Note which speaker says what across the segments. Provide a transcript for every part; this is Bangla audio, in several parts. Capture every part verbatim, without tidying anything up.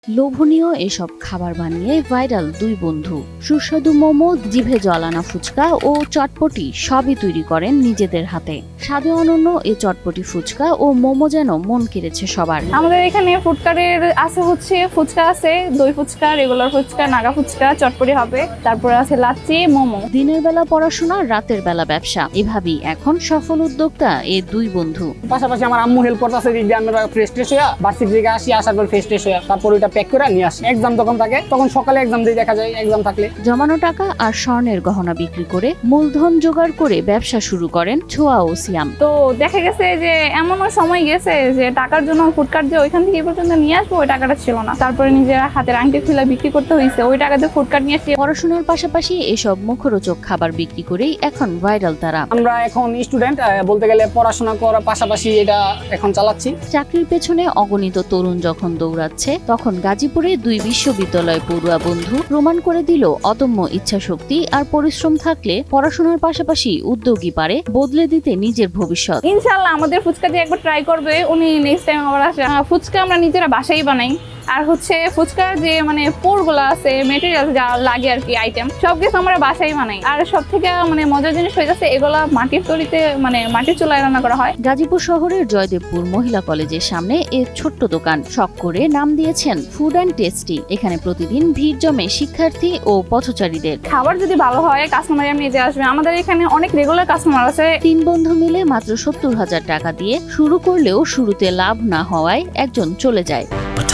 Speaker 1: লোভনীয় এসব খাবার বানিয়ে ভাইরাল দুই বন্ধু। সুস্বাদু মোমো, জিভে জলানা ফুচকা ও চটপটি সবই তৈরি করেন নিজেদের হাতে। স্বাদে অনন্য এই চটপটি ফুচকা ও মোমো যেন মন কেড়েছে সবার।
Speaker 2: আমাদের এখানে ফুডকারের আছে হচ্ছে ফুচকা আছে, দই ফুচকা, রেগুলার ফুচকা, নাগা ফুচকা, চটপটি হবে, তারপরে আছে লাচ্ছি, মোমো।
Speaker 1: দিনের বেলা পড়াশোনা, রাতের বেলা ব্যবসা, এভাবেই এখন সফল উদ্যোক্তা এই দুই বন্ধু।
Speaker 3: পাশাপাশি আমার আম্মু হেল্প করতেছে, দিক দিয়ে আমরা ফ্রেশ ট্রেশ হইয়া ভার্সিটি থেকে আসি, আসার পর ফ্রেশ ট্রেশ হইয়া তারপর ওইটা প্যাক করে নিয়ে আসি। এক্সাম তখন থাকে, তখন সকালে এক্সাম দিয়ে দেখা যায় এক্সাম থাকলে।
Speaker 1: জমানো টাকা আর স্বর্ণের গহনা বিক্রি করে মূলধন জোগাড় করে ব্যবসা শুরু করেন ছোয়া ও সিয়াম।
Speaker 2: তো দেখা গেছে যে এমনও সময় গেছে যে টাকার জন্য ফুডকার্ট যে ওইখান থেকে এই পর্যন্ত নিয়ে আসবো ওই টাকাটা ছিল না, তারপরে নিজের হাতের আংটি খুলে বিক্রি করতে হয়েছে, ওই টাকাতে ফুডকার্ট নিয়ে আসি।
Speaker 1: পড়াশোনার পাশাপাশি এসব মুখরোচক খাবার বিক্রি করেই এখন ভাইরাল তারা।
Speaker 3: আমরা এখন স্টুডেন্ট, বলতে গেলে পড়াশোনা করার পাশাপাশি এটা এখন চালাচ্ছি।
Speaker 1: চাকরির পেছনে অগণিত তরুণ যখন দৌড়াচ্ছে, তখন গাজীপুরে দুই বিশ্ববিদ্যালয় পড়ুয়া বন্ধু প্রমাণ করে দিল অদম্য ইচ্ছাশক্তি আর পরিশ্রম থাকলে পড়াশোনার পাশাপাশি উদ্যোগী পারে বদলে দিতে নিজের ভবিষ্যৎ।
Speaker 2: ইনশাআল্লাহ আমাদের ফুচকা দিয়ে একবার ট্রাই করবে উনি, নেক্সট টাইম আবার আসে। ফুচকা আমরা নিজেরা বাসায় বানাই, আর হচ্ছে ফুচকার যে মানে পোরগুলো আছে, মেটেরিয়াল যা লাগে আর কি, আইটেম সব কিছু আমরা বাসায় বানাই। আর সব থেকে মানে মজার জিনিস হয়ে যাচ্ছে এগুলা মাটির তৈরিতে, মানে মাটির চুলায় রান্না করা হয়।
Speaker 1: গাজীপুর শহরের জয়দেবপুর মহিলা কলেজের সামনে এ ছোট্ট দোকান শখ করে নাম দিয়েছেন ফুড অ্যান্ড টেস্টি। এখানে প্রতিদিন ভিড় জমে শিক্ষার্থী ও পথচারীদের।
Speaker 2: খাবার যদি ভালো হয় কাস্টমার এমনি যে আসবে। আমাদের এখানে অনেক রেগুলার কাস্টমার আছে।
Speaker 1: তিন বন্ধু মিলে মাত্র সত্তর হাজার টাকা দিয়ে শুরু করলেও শুরুতে লাভ না হওয়ায় একজন চলে যায়।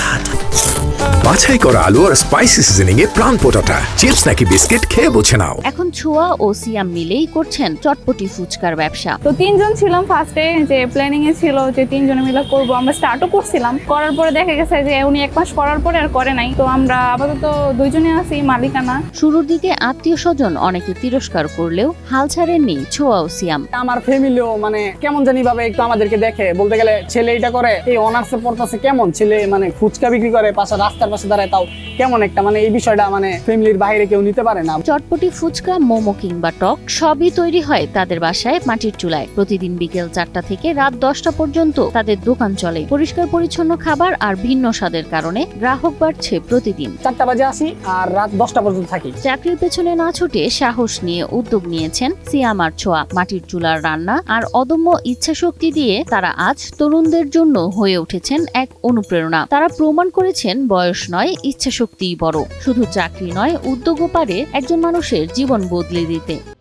Speaker 4: বাছাই করা আলু আর স্পাইসি সিজনিং এ প্রাণ পোটাটা চিপস নাকি বিস্কিট খেয়ে বুঝে নাও।
Speaker 1: এখন ছোয়া ও সিয়াম মিলেই করছেন চটপটি ফুচকার ব্যবসা।
Speaker 2: তো তিনজন ছিলাম ফার্স্টে, যে প্ল্যানিং এ ছিল যে তিনজনে মিলে করব। আমরা স্টার্টও করছিলাম, করার পরে দেখা গেছে যে উনি এক মাস করার পরে আর করে নাই। তো আমরা আপাতত দুইজনে আছি মালিকানা।
Speaker 1: শুরুর দিকে আত্মীয় স্বজন অনেকে তিরস্কার করলেও হাল ছাড়েননি ছোয়া ও সিয়াম।
Speaker 3: আমার ফ্যামিলিও মানে কেমন জানি ভাবে একটু আমাদেরকে দেখে, বলতে গেলে ছেলে এটা করে, এই অনার্সে পড়তেছে, কেমন ছেলে মানে ফুচকা বিক্রি করে পাশে রাস্তার পাশে দাঁড়ায়, তাও কেমন একটা মানে এই বিষয়টা মানে ফ্যামিলির বাইরে কেউ নিতে পারে না।
Speaker 1: চটপটি ফুচকা, মোমো কিংবা টক সবই তৈরি হয় তাদের বাসায় মাটির চুলায়। প্রতিদিন বিকেল চারটা থেকে রাত দশটা পর্যন্ত তাদের দোকান চলে। পরিষ্কার পরিচ্ছন্ন খাবার আর ভিন্ন স্বাদের কারণে গ্রাহক বাড়ছে প্রতিদিন।
Speaker 3: চারটা বাজে আসি আর রাত দশটা পর্যন্ত থাকি।
Speaker 1: চাকরির পেছনে না ছুটে সাহস নিয়ে উদ্যোগ নিয়েছেন সিয়াম আর ছোয়া। মাটির চুলার রান্না আর অদম্য ইচ্ছাশক্তি দিয়ে তারা আজ তরুণদের জন্য হয়ে উঠেছেন এক অনুপ্রেরণা। তারা প্রমাণ করেছেন বয়স নয়, ইচ্ছাশক্তিই বড়। শুধু চাকরি নয়, উদ্যোগও পারে একজন মানুষের জীবন বদলে দিতে।